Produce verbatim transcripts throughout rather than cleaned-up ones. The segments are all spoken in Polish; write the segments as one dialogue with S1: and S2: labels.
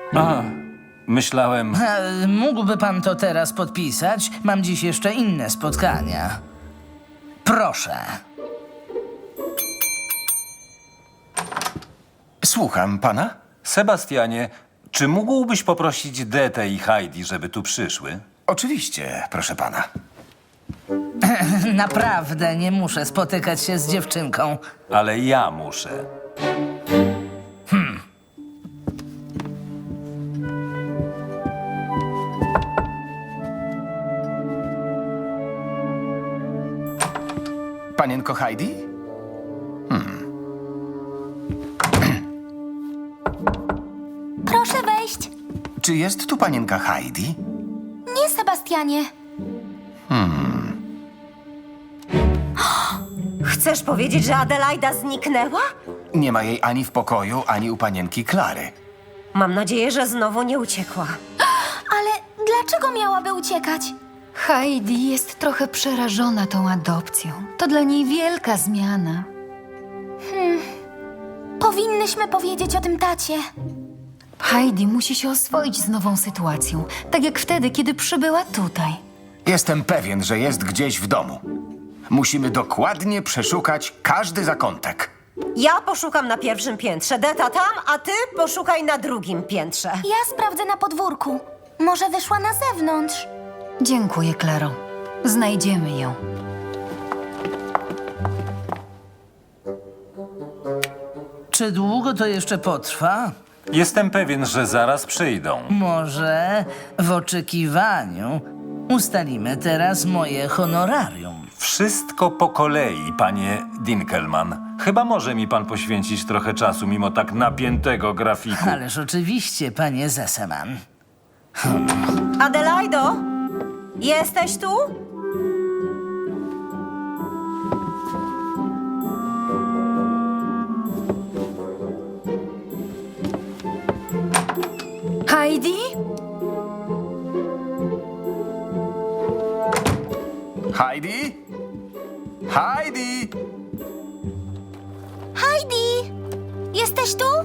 S1: A, myślałem...
S2: E, Mógłby pan to teraz podpisać? Mam dziś jeszcze inne spotkania. Proszę.
S3: Słucham pana?
S1: Sebastianie, czy mógłbyś poprosić Detę i Heidi, żeby tu przyszły?
S3: Oczywiście, proszę pana.
S2: Naprawdę nie muszę spotykać się z dziewczynką.
S1: Ale ja muszę.
S3: Panienko Heidi?
S4: Proszę wejść.
S3: Czy jest tu panienka Heidi?
S4: Nie, Sebastianie.
S5: Chcesz powiedzieć, że Adelaida zniknęła?
S3: Nie ma jej ani w pokoju, ani u panienki Klary.
S5: Mam nadzieję, że znowu nie uciekła.
S4: Ale dlaczego miałaby uciekać?
S6: Heidi jest trochę przerażona tą adopcją. To dla niej wielka zmiana.
S4: Powinnyśmy powiedzieć o tym tacie.
S6: Heidi musi się oswoić z nową sytuacją, tak jak wtedy, kiedy przybyła tutaj.
S3: Jestem pewien, że jest gdzieś w domu. Musimy dokładnie przeszukać każdy zakątek.
S5: Ja poszukam na pierwszym piętrze, Deta tam, a ty poszukaj na drugim piętrze.
S4: Ja sprawdzę na podwórku. Może wyszła na zewnątrz.
S6: Dziękuję, Klaro. Znajdziemy ją.
S2: Czy długo to jeszcze potrwa?
S1: Jestem pewien, że zaraz przyjdą.
S2: Może w oczekiwaniu ustalimy teraz moje honorarium.
S1: Wszystko po kolei, panie Dinkelman. Chyba może mi pan poświęcić trochę czasu, mimo tak napiętego grafiku.
S2: Ależ oczywiście, panie Zeseman.
S5: Adelaido, jesteś tu?
S6: Heidi?
S3: Heidi? Heidi!
S4: Heidi! Jesteś tu?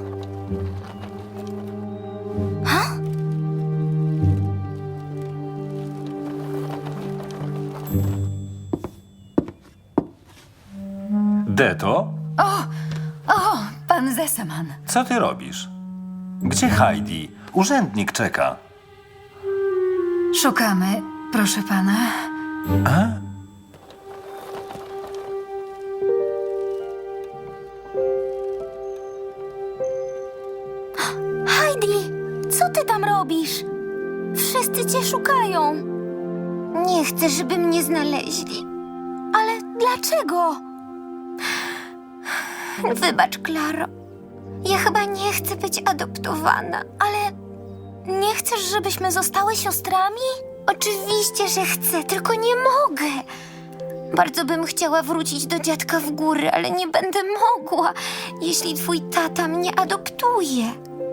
S1: Deto,
S6: O, pan Zeseman.
S1: co ty robisz? Gdzie Heidi? Urzędnik czeka.
S6: Szukamy, proszę pana.
S4: Heidi, co ty tam robisz? Wszyscy cię szukają. Nie chcę, żeby mnie znaleźli. Ale dlaczego? Wybacz, Klaro. Ja chyba nie chcę być adoptowana. Ale nie chcesz, żebyśmy zostały siostrami? Oczywiście, że chcę, tylko nie mogę. Bardzo bym chciała wrócić do dziadka w góry, ale nie będę mogła, jeśli twój tata mnie adoptuje.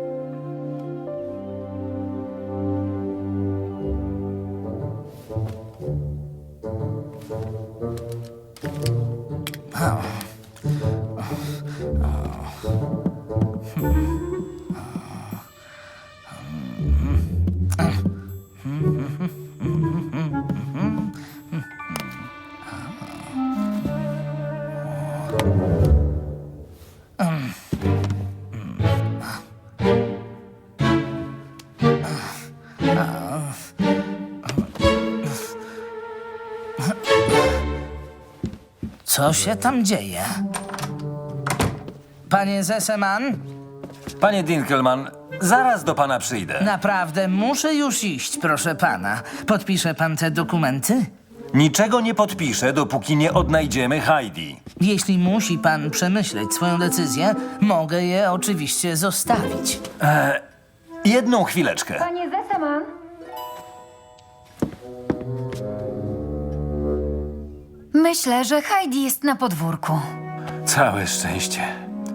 S2: Co się tam dzieje? Panie Zeseman,
S1: Panie Dinkelman, zaraz do pana przyjdę.
S2: naprawdę muszę już iść, proszę pana. Podpisze pan te dokumenty?
S1: Niczego nie podpiszę, dopóki nie odnajdziemy Heidi.
S2: Jeśli musi pan przemyśleć swoją decyzję, mogę je oczywiście zostawić.
S1: Jedną chwileczkę.
S6: Panie Zeseman? Myślę, że Heidi jest na podwórku.
S1: Całe szczęście.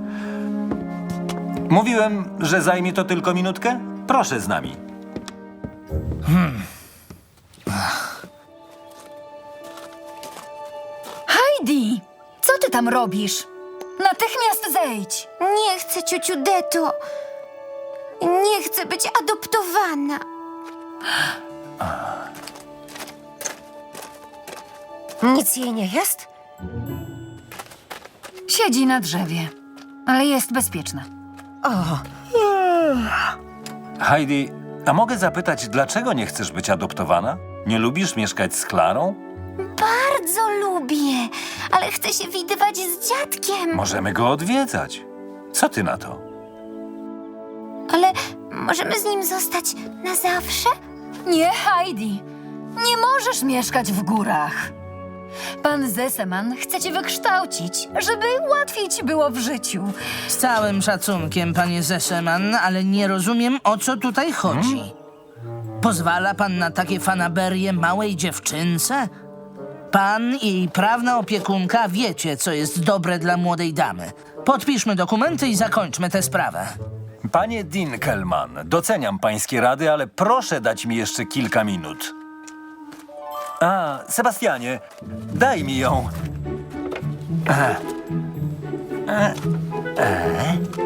S1: Mówiłem, że zajmie to tylko minutkę? Proszę z nami.
S6: Heidi! Co ty tam robisz? Natychmiast zejdź!
S4: Nie chcę, ciociu Deto. Nie chcę być adoptowana.
S5: Nic jej nie jest?
S6: Siedzi na drzewie, ale jest bezpieczna.
S5: O,
S1: Heidi, a mogę zapytać, dlaczego nie chcesz być adoptowana? Nie lubisz mieszkać z Klarą?
S4: Bardzo lubię, ale chcę się widywać z dziadkiem.
S1: Możemy go odwiedzać. Co ty na to?
S4: Ale możemy z nim zostać na zawsze?
S6: Nie, Heidi! Nie możesz mieszkać w górach. Pan Zeseman chce cię wykształcić, żeby łatwiej ci było w życiu.
S2: Z całym szacunkiem, panie Zeseman, ale nie rozumiem, o co tutaj chodzi. Pozwala pan na takie fanaberie małej dziewczynce? Pan i jej prawna opiekunka wiecie, co jest dobre dla młodej damy. Podpiszmy dokumenty i zakończmy tę sprawę.
S1: Panie Dinkelman, doceniam pańskie rady, ale proszę dać mi jeszcze kilka minut. A, Sebastianie, daj mi ją. E, e, e.